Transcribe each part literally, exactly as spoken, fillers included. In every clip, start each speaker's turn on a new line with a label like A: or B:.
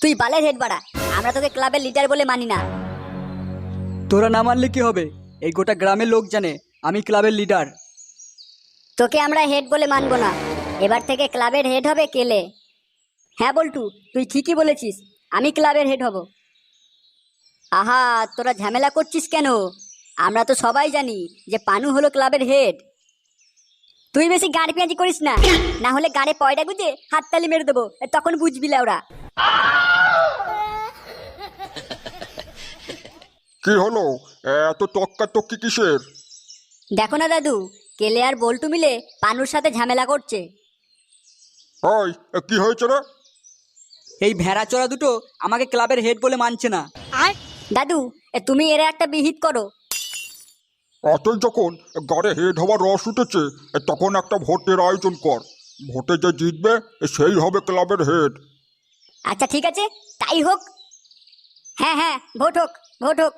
A: তুই বালের হেড বাড়া, আমরা তোকে ক্লাবের লিডার বলে মানি না।
B: তোরা না মানলে কি হবে? এই গোটা গ্রামের লোক জানে আমি ক্লাবের লিডার।
A: তোকে আমরা হেড বলে মানবো না, এবার থেকে ক্লাবের হেড হবে কেলে। হ্যাঁ বল্টু, তুই ঠিকই বলেছিস, আমি ক্লাবের হেড হব। আহা, তোরা ঝামেলা করছিস কেন? আমরা তো সবাই জানি যে পানু হলো ক্লাবের হেড। তুই বেশি গাড়ি পেঁয়াজি করিস না, না হলে গাড়ে পয়ডা গুজে হাততালি মেরে দেবো, তখন বুঝবি ওরা।
C: কি হলো, এত তক্কা তক্কি কিসের?
A: দেখো না দাদু, কেলে আর বল্টু মিলে পানুর সাথে ঝামেলা করছে।
C: ওই কি হয়েছে রে?
B: এই ভেড়া চোরা দুটো আমাকে ক্লাবের হেড বলে মানছে না।
A: দাদু, এ তুমি এর একটা বিহিত করো।
C: অতই যখন গাড়ে হেড হওয়ার রস উঠেছে, তখন একটা ভোটের আয়োজন কর। ভোটে যে জিতবে সেই হবে ক্লাবের হেড।
A: আচ্ছা ঠিক আছে, তাই হোক। হ্যাঁ হ্যাঁ, ভোট হোক, ভোট হোক।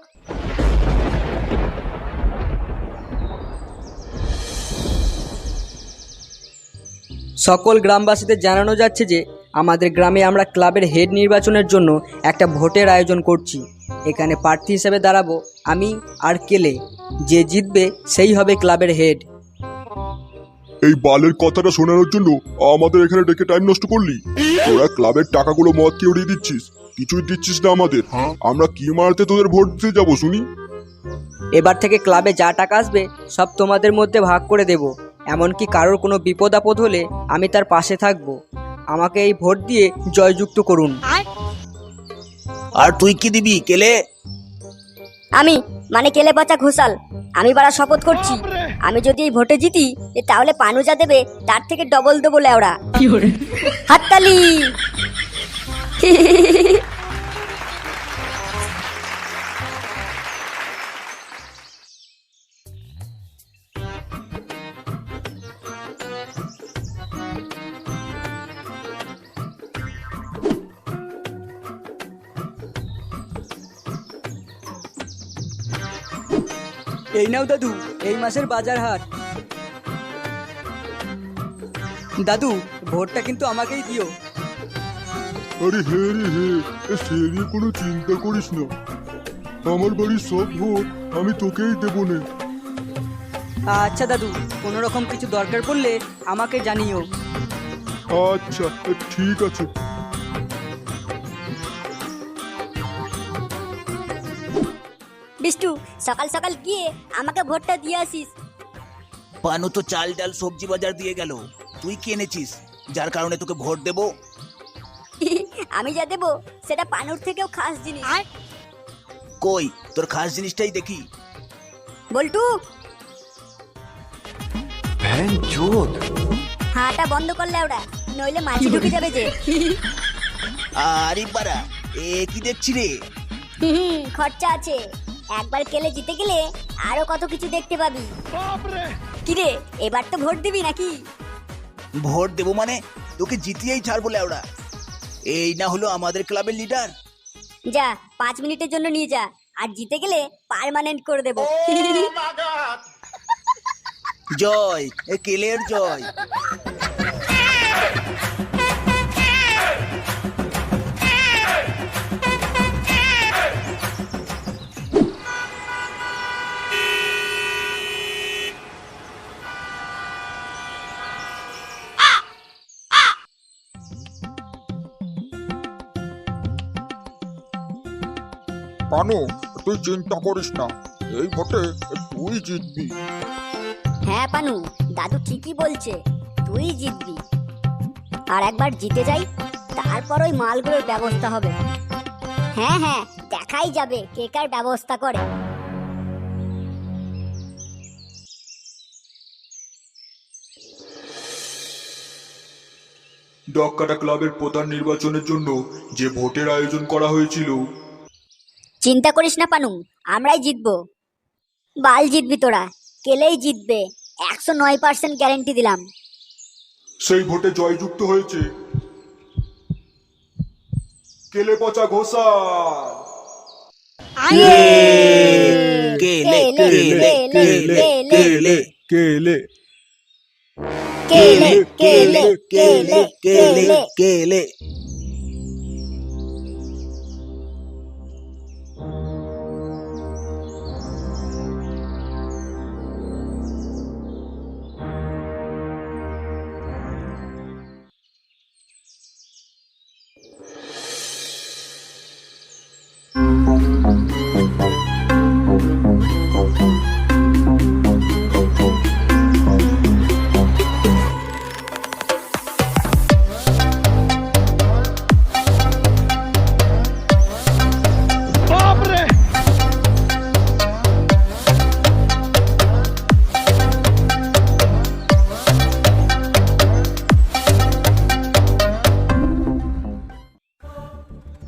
B: সকল গ্রামবাসীদের জানানো যাচ্ছে যে আমাদের গ্রামে আমরা ক্লাবের হেড নির্বাচনের জন্য একটা ভোটের আয়োজন করছি। এখানে প্রার্থী হিসেবে দাঁড়াবো আমি আর কেলে। যে জিতবে সেই হবে ক্লাবের হেড।
C: এই বালের কথাটা শোনানোর জন্য আমাদের এখানে ডেকে টাইম নষ্ট করলি? তোরা ক্লাবের টাকাগুলো মদকে উড়িয়ে দিচ্ছিস, কিছুই দিচ্ছিস না আমাদের। আমরা কি মারতে তোদের ভোট দিতে যাবো শুনি?
B: এবার থেকে ক্লাবে যা টাকা আসবে সব তোমাদের মধ্যে ভাগ করে দেব। এমনকি কারোর কোনো বিপদ আপদ হলে আমি তার পাশে থাকব। আমাকে এই ভোট দিয়ে জয়যুক্ত করুন।
D: আর তুই কি দিবি কেলে?
A: আমি মানে কেলে পচা ঘোষাল, আমি বাড়া শপথ করছি, আমি যদি এই ভোটে জিতি তাহলে পানু যা দেবে তার থেকে ডবল দেবো লেওড়া। হাততালি।
B: এই নাও দাদু, এই মাসের বাজার হাট। দাদু, ভোটটা কিন্তু আমাকেই দিও।
C: আরে হে রে হে, সে নিয়ে কোনো চিন্তা করিস না। আমার বাড়ির সব ভোট আমি তোকেই দেবো না।
B: আচ্ছা দাদু, কোনো রকম কিছু দরকার পড়লে আমাকে জানিও।
C: আচ্ছা ঠিক আছে।
A: বিষ্টু, সকাল সকাল গিয়ে আমাকে ভোটটা দিয়ে আসিস।
D: পানু তো চাল ডাল সবজি বাজার দিয়ে গেল, তুই কি এনেছিস যার কারণে তোকে ভোট দেব?
A: আমি যা দেবো সেটা পানুর থেকেও খাস জিনিস।
D: কই তোর খাস জিনিসটাই দেখি।
A: বল্টু, হাঁটা বন্ধ করলে ওরা, নইলে মাছি ঢুকে যাবে যে।
D: আরে বাড়া, এ কি দেখছি রে?
A: হুম, খরচা আছে। একবার কেলে জিতে গেলে আরো কত কিছু দেখতে পাবি। কিরে, এবার তো ভোট দিবি নাকি?
D: ভোট দেবো মানে তোকে জিতিয়েই ছাড়বো লেওড়া। এই না হলো আমাদের ক্লাবের লিডার।
A: যা, পাঁচ মিনিটের জন্য নিয়ে যা, আর জিতে গেলে পার্মানেন্ট করে দেবো।
D: জয়, এ কেলের জয়।
C: পানু, তুই চিন্তা করিস না, এই ভোটে তুই জিতবি।
A: হ্যাঁ পানু, দাদু ঠিকই বলছে, তুই জিতবি। আর একবার জিতে যাই, তারপর ওই মালগুলোর ব্যবস্থা হবে। হ্যাঁ হ্যাঁ, দেখাই যাবে কে কার ব্যবস্থা করে।
C: ডক্কাটা ক্লাবের প্রধান নির্বাচনের জন্য যে ভোটের আয়োজন করা হয়েছিল,
A: চিন্তা করিস না পানু, আমরাই জিতবো। বাল জিতবি তোরা, কেলেই জিতবে, একশো নয় পার্সেন্ট গ্যারেন্টি দিলাম।
C: সেই ভোটে জয়যুক্ত হয়েছে কেলে পচা ঘোষাল।
D: কেলে কেলে কেলে কেলে
C: কেলে
A: কেলে কেলে কেলে
D: কেলে কেলে কেলে।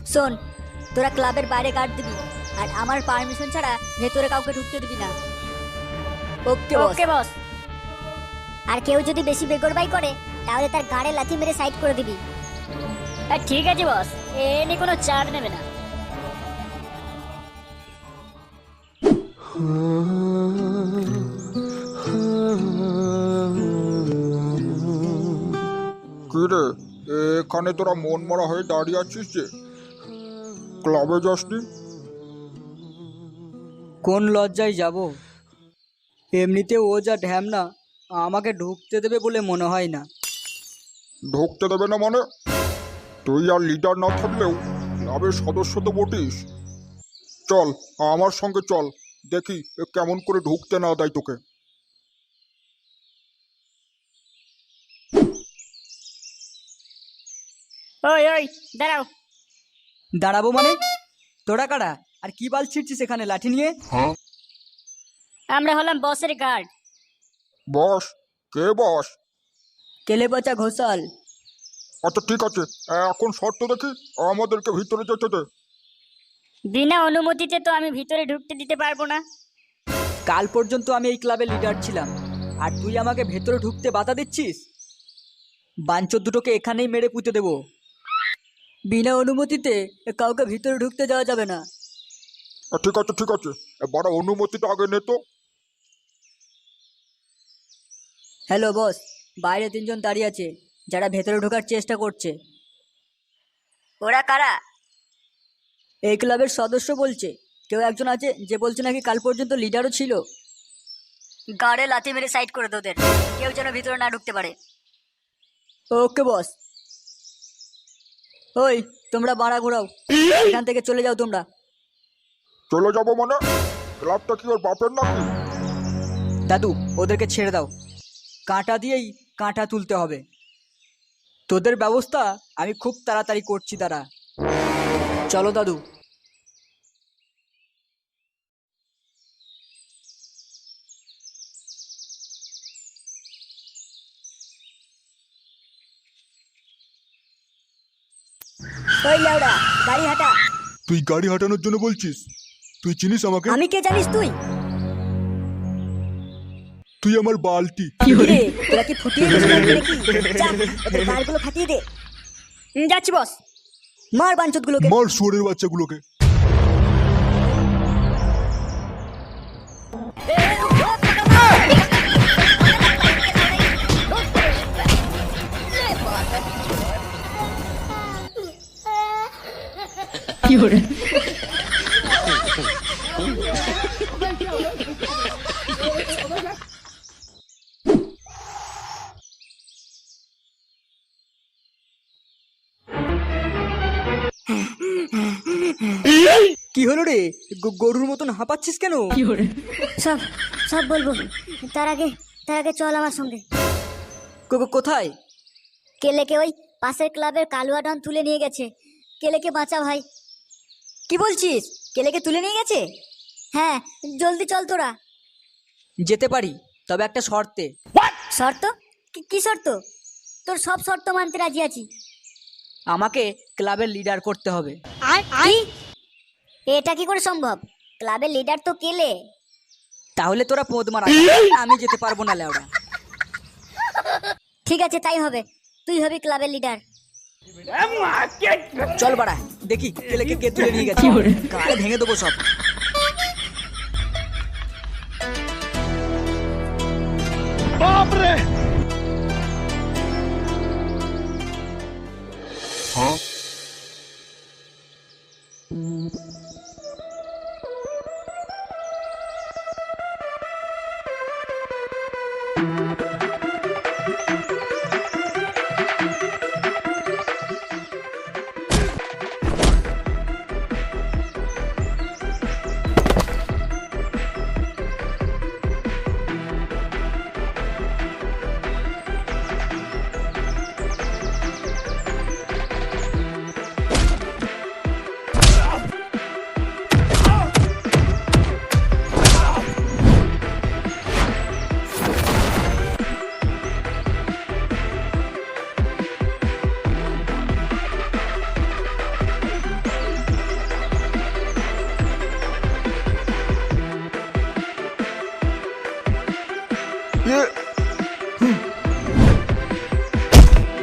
A: শোন, তোরা ক্লাবের বাইরে গার্ড দিবি আর আমার পারমিশন ছাড়া ভেতরে কাউকে ঢুকতে দিবি না। ওকে ওকে বস। আর কেউ যদি বেশি বেগরবাই করে তাহলে তার গাড়ে লাথি মেরে সাইড করে দিবি। ঠিক আছে বস, এ নিয়ে কোনো চার্জ নেবে না।
E: কি রে, এখানে তোরা মন মরা হয়ে দাঁড়িয়ে আছিস যে? ক্লাবে যাসনি?
B: কোন লজ্জায় যাব? এমনিতে ও যা ঢ্যামনা, আমাকে ঢুকতে দেবে বলে মনে হয় না।
E: ঢুকতে দেবে না মানে? তুই আর লিডার না থাকলেও ক্লাবের সদস্য তো বটিস। চল আমার সঙ্গে চল, দেখি এ কেমন করে ঢুকতে না দেয় তোকে।
A: ওই ওই দাঁড়াও।
B: দাঁড়াবো মানে? তোরা কারা আর কি বাল ছিড়ছিস এখানে লাঠি নিয়ে?
A: আমরা হলাম বসের গার্ড।
E: বস? কে বস?
B: কেলে পচা ঘোষাল।
E: আচ্ছা ঠিক আছে, এখন শর্ত দেখি, আমাদেরকে ভিতরে যেতে দে।
A: বিনা অনুমতিতে তো আমি ভিতরে ঢুকতে দিতে পারবো না।
B: কাল পর্যন্ত আমি এই ক্লাবের লিডার ছিলাম, আর তুই আমাকে ভেতরে ঢুকতে বাধা দিচ্ছিস? বাঞ্চোর দুটোকে এখানেই মেরে পুঁতে দেবো। বিনা অনুমতিতে কাউকে ভিতরে ঢুকতে যাওয়া যাবে না।
E: ঠিক আছে ঠিক আছে, এবার অনুমতিটা আগে নে তো।
B: হ্যালো বস, বাইরে তিনজন দাঁড়িয়ে আছে যারা ভেতরে ঢোকার চেষ্টা করছে।
A: ওরা কারা?
B: এই ক্লাবের সদস্য বলছে। কেউ একজন আছে যে বলছে নাকি কাল পর্যন্ত লিডারও ছিল।
A: গাড়ে লাথি মেরে সাইড করে তোদের, কেউ যেন ভিতরে না ঢুকতে পারে।
B: ওকে বস। ওই তোমরা বাড়া ঘোরাও, এখান থেকে চলে যাও তোমরা।
E: চলে যাবো মানে? ক্লাবটা কি ওর বাপের নাকি?
B: দাদু ওদেরকে ছেড়ে দাও, কাঁটা দিয়েই কাঁটা তুলতে হবে। তোদের ব্যবস্থা আমি খুব তাড়াতাড়ি করছি, দাঁড়া। চলো দাদু।
A: ওই লেওড়া, গাড়ি হাঁটা।
C: তুই গাড়ি হাঁটানোর জন্য বলছিস? তুই চিনিস আমাকে?
A: আমি কে জানিস তুই?
C: তুই আমার বালটি।
A: রে, তোরা কি ফুটিয়ে দিছিস নাকি? যা, ওদের গাড়গুলো ফাটিয়ে দে। হুম, যাচ্ছি বস। মার বাঞ্চতগুলোকে।
C: মার শুয়োরের বাচ্চাগুলোকে।
B: কি হলো রে, গ- গরুর মতন হাঁপাচ্ছিস কেন?
A: সব সব বলবো, তার আগে তার আগে চল আমার সঙ্গে।
B: কো- কো- কোথায়?
A: কেলেকে ওই পাশের ক্লাবের কালুয়া ডন তুলে নিয়ে গেছে। কেলেকে বাঁচা ভাই। কি বলছিস? কেলেকে তুলে নিয়ে গেছে? হ্যাঁ, জলদি চল তোরা।
B: যেতে পারি, তবে একটা শর্তে।
A: শর্ত? কি- কি শর্ত? তোর সব শর্ত মানতে রাজি আছি।
B: আমাকে ক্লাবের লিডার করতে হবে।
A: কি? এটা কি করে সম্ভব? ক্লাবের লিডার তো কেলে।
B: তাহলে তোরা পোদ মারা, আমি যেতে পারবো না লেওড়া।
A: ঠিক আছে, তাই হবে। তুই হবি ক্লাবের লিডার।
B: চল বাড়া, দেখি কেলেকে কে তুলে নিয়ে গেছে। গাড়ি ভেঙে দেবো সব।
C: হ্যাঁ?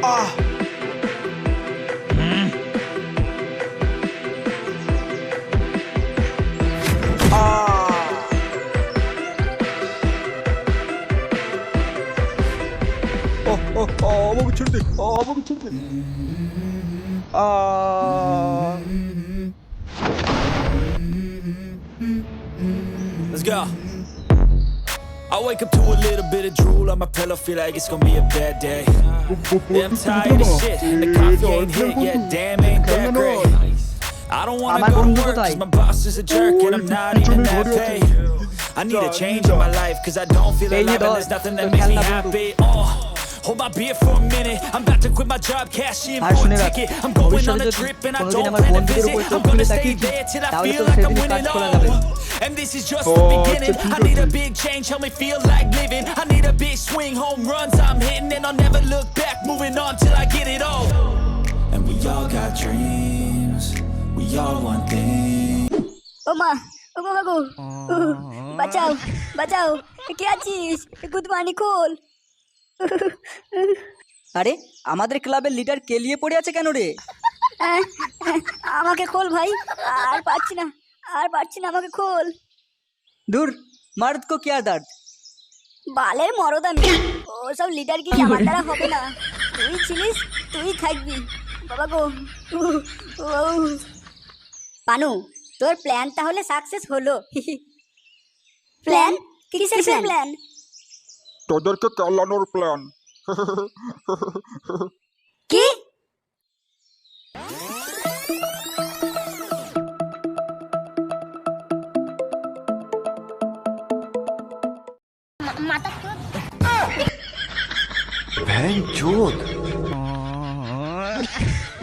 D: আহ হুম। আহ
E: আহ, আহ, আহ, আমাকে ছেড়ে দে আহ, আমাকে ছেড়ে দে আহ
F: Let's go. I wake up to a little bit of drool on my pillow, feel like it's gonna be a bad day. Yeah, I'm tired of shit, and the coffee ain't hit yet. Damn, ain't that great. I don't wanna
B: আমার
F: go to
B: বন্ধু
F: work
B: কোথায়?
F: 'cause my boss is a jerk and I'm not even that paid. I need a change in my life 'cause I don't feel
B: এই যে
F: alive and
B: ধর,
F: there's nothing
B: তোর
F: that makes me
B: খেলনা বন্ধু।
F: happy. Oh, hold my beer for a minute. I'm about to quit my job, cash in
B: R
F: for
B: শুনে
F: a
B: রাখ,
F: ticket. I'm going on
B: ভবিষ্যতে
F: a
B: যদি
F: trip and I
B: কোনোদিন
F: don't
B: আমার
F: plan to
B: বন্ধুদের
F: visit.
B: উপর চোখ
F: I'm gonna
B: তুলে
F: stay
B: তাকিয়েছিস,
F: there till I
B: তাহলে
F: feel
B: তোর
F: like I'm
B: সেদিনই
F: winning.
B: কাজ করা যাবে।
F: Oh, and this is just
E: Oh,
F: the beginning.
E: it's a
F: I need a big change, help me feel like living. I need a big swing, home runs I'm hitting, and I'll never look back. Moving on till I get it all. And we all got dreams. We all want things.
A: ও মা ও গো গো বাঁচাও বাঁচাও কে আছিস গুদমানি খোল।
B: আরে আমাদের ক্লাবের leader কেলিয়ে পড়ে আছে কেন রে?
A: আহ, আহ, আমাকে খোল ভাই, আর পারছি না আর পারছি না আমাকে খোল।
B: দূর, মার্দ কো কিয়া দর্দ।
A: বালের মরদ আমি, ওসব লিডার কি আমার দ্বারা হবে না। তুই ছিলিস তুই থাকবি বাবা গো। উহ, উহ। পানু, তোর প্ল্যান তাহলে সাকসেস হলো। প্ল্যান কিসের প্ল্যান?
E: তোদেরকে চালানোর প্ল্যান
A: কি?
G: बहन चोद